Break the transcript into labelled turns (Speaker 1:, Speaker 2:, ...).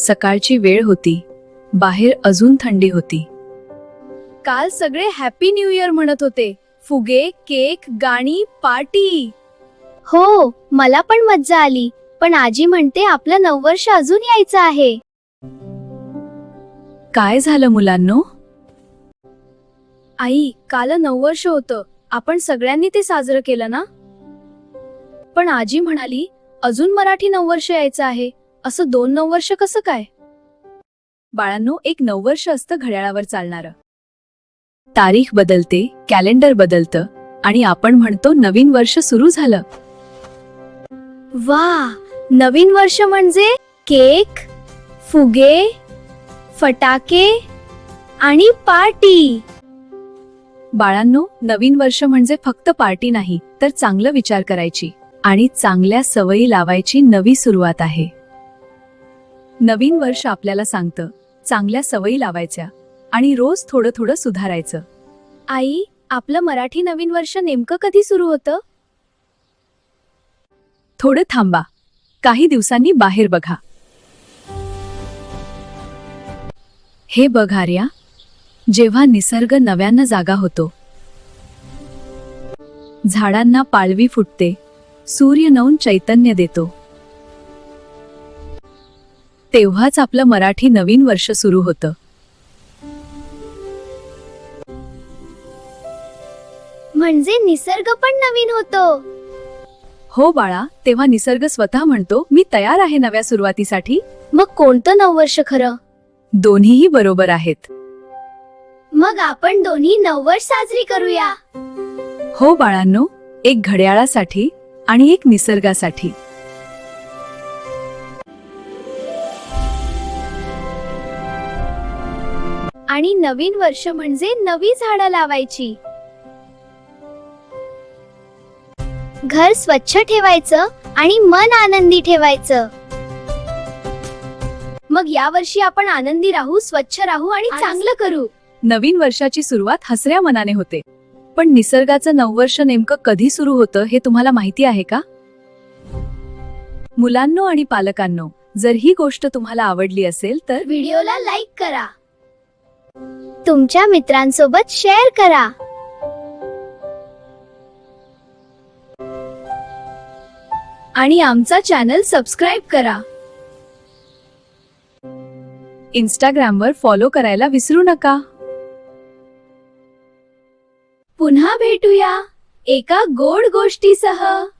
Speaker 1: सकाळची वेळ होती. बाहेर अजून थंडी होती. काल सगळे हॅपी न्यू इयर म्हणत होते. फुगे, केक, गाणी, पार्टी.
Speaker 2: हो, मला पण मज्जा आली. पण आजी म्हणते आपलं नववर्ष अजून यायचं आहे.
Speaker 1: काय झालं मुलांनो?
Speaker 2: आई, काल नववर्ष होतं. आपण सगळ्यांनी ते साजरं केलं ना? पण आजी म्हणाली अजून मराठी नववर्ष यायचं आहे. असं 2 नववर्ष कसं काय?
Speaker 1: बाळांनो, एक नववर्ष असतं घड्याळावर चालणारं. तारीख बदलते, कॅलेंडर बदलतं आणि आपण म्हणतो नवीन वर्ष सुरू झालं.
Speaker 2: वा, नवीन वर्ष म्हणजे केक, फुगे, फटाके आणि पार्टी.
Speaker 1: बाळांनो, नवीन वर्ष म्हणजे फक्त पार्टी नाही, तर चांगलं विचार करायची आणि चांगल्या सवयी लावायची नवी सुरुवात आहे. नवीन वर्ष आपल्याला सांगतं चांगल्या सवयी लावायच्या आणि रोज थोडं थोडं सुधारायचं.
Speaker 2: आई, आपलं मराठी नवीन वर्ष नेमकं कधी सुरू होतं?
Speaker 1: थोडं थांबा, काही दिवसांनी बाहेर बघा. हे बघ आर्या, जेव्हा निसर्ग नव्यानं जागा होतो, झाडांना पाळवी फुटते, सूर्य नवं चैतन्य देतो, तेव्हाच आपलं मराठी नवीन वर्ष सुरू होतं.
Speaker 2: म्हणजे निसर्ग पण नवीन होतो.
Speaker 1: हो बाळा, तेव्हा निसर्ग स्वतः म्हणतो मी तयार आहे नव्या सुरुवातीसाठी.
Speaker 2: मग कोणतं नववर्ष खरं?
Speaker 1: दोन्हीही बरोबर आहेत.
Speaker 2: मग आपण दोन्ही नववर्ष साजरी करूया.
Speaker 1: हो बाळांनो, एक घड्याळासाठी आणि एक निसर्गासाठी.
Speaker 2: आणि नवीन वर्ष म्हणजे नवी झाडं लावायची. घर स्वच्छ ठेवायचं आणि मन आनंदी ठेवायचं. मग या वर्षी आपण आनंदी राहू, स्वच्छ राहू आणि चांगलं करू.
Speaker 1: नवीन वर्षाची सुरुवात हसऱ्या मनाने होते. पण निसर्गाचं नववर्ष नेमकं कधी सुरू होतं हे तुम्हाला माहिती आहे का? मुलांनो आणि पालकांनो, जर ही गोष्ट तुम्हाला आवडली असेल तर
Speaker 2: व्हिडिओला लाईक करा, तुमच्या मित्रांसोबत शेअर करा
Speaker 1: आणि आमचा चॅनल सबस्क्राईब करा. इंस्टाग्रामवर फॉलो करायला विसरू नका.
Speaker 2: पुन्हा भेटूया एका गोड गोष्टीसह.